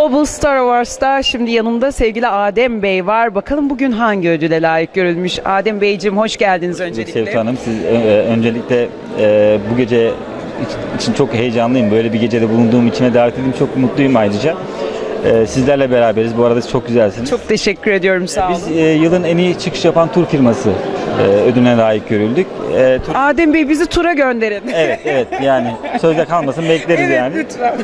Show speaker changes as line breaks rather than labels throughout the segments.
Global Star Awards'ta şimdi yanımda sevgili Adem Bey var. Bakalım bugün hangi ödüle layık görülmüş? Adem Beyciğim hoş geldiniz öncelikle.
Sevda Hanım, siz öncelikle bu gece için çok heyecanlıyım. Böyle bir gecede bulunduğum içime davet edildim. Çok mutluyum ayrıca. Sizlerle beraberiz. Bu arada çok güzelsiniz.
Çok teşekkür ediyorum, sağ olun.
Biz yılın en iyi çıkış yapan tur firması ödülüne layık görüldük.
Adem Bey bizi tura gönderin.
Evet yani sözde kalmasın, bekleriz
Evet,
yani.
lütfen.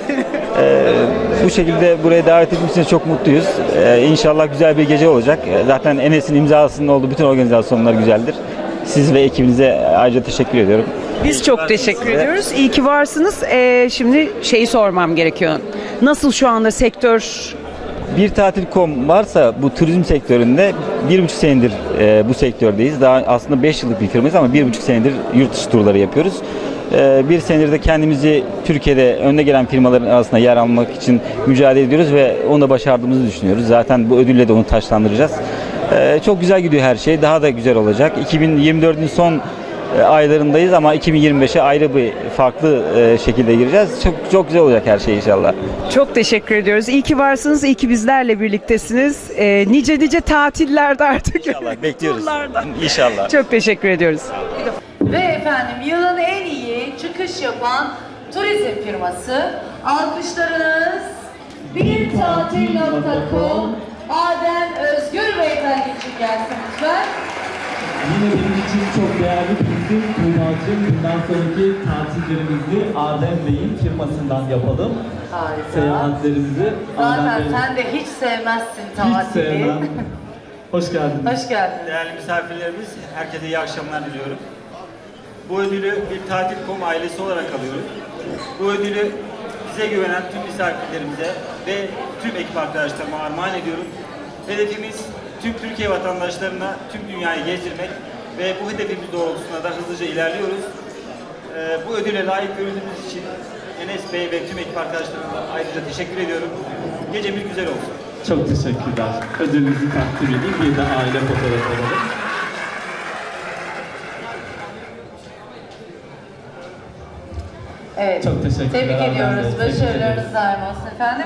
Bu şekilde buraya davet edildiğimiz için çok mutluyuz. İnşallah güzel bir gece olacak. Zaten Enes'in imzasının olduğu bütün organizasyonlar güzeldir. Siz ve ekibinize ayrıca teşekkür ediyorum.
Biz çok teşekkür ediyoruz. İyi ki varsınız. Şimdi şeyi sormam gerekiyor. Nasıl şu anda sektör?
Bir tatil.com varsa bu turizm sektöründe 1,5 senedir bu sektördeyiz. Daha aslında 5 yıllık bir firmayız ama 1,5 senedir yurt dışı turları yapıyoruz. Bir senedir de kendimizi Türkiye'de önde gelen firmaların arasında yer almak için mücadele ediyoruz ve onu da başardığımızı düşünüyoruz. Zaten bu ödülle de onu taçlandıracağız. Çok güzel gidiyor her şey. Daha da güzel olacak. 2024'ün son aylarındayız ama 2025'e ayrı bir farklı şekilde gireceğiz. Çok güzel olacak her şey inşallah.
Çok teşekkür ediyoruz. İyi ki varsınız. İyi ki bizlerle birliktesiniz. Nice tatillerde artık.
İnşallah bekliyoruz.
Turlarda.
İnşallah.
Çok teşekkür ediyoruz.
Ve efendim yılın en iyi çıkış yapan turizm firması, alkışlarınız birtatil.com Adem Özgür Beyefendi için gelsin lütfen.
Yine benim için çok değerli bizim Tuğba'cığım. Bundan sonraki tatillerimizi Adem Bey'in firmasından yapalım.
Harika.
Seyahatlerimizi
Zaten
Adem Bey'in...
sen de hiç sevmezsin
Hiç
tatili.
sevmem. Hoş geldiniz.
Hoş geldin.
Değerli misafirlerimiz, herkese iyi akşamlar diliyorum. Bu ödülü bir tatil.com ailesi olarak alıyoruz. Bu ödülü bize güvenen tüm misafirlerimize ve tüm ekip arkadaşlarıma armağan ediyorum. Hedefimiz tüm Türkiye vatandaşlarına tüm dünyayı gezdirmek ve bu hedefimiz doğrultusunda da hızlıca ilerliyoruz. Bu ödüle layık görüldüğümüz için Enes Bey ve tüm ekip arkadaşlarıma ayrıca teşekkür ediyorum. Gecemiz güzel olsun.
Çok teşekkürler. Ödülünüzü takdim edeyim. Bir de aile fotoğrafı alalım.
Evet.
Çok teşekkürler.
Tebrik
Adem
ediyoruz.
Bey. Tebrik
Başarılarınız daim olsun efendim.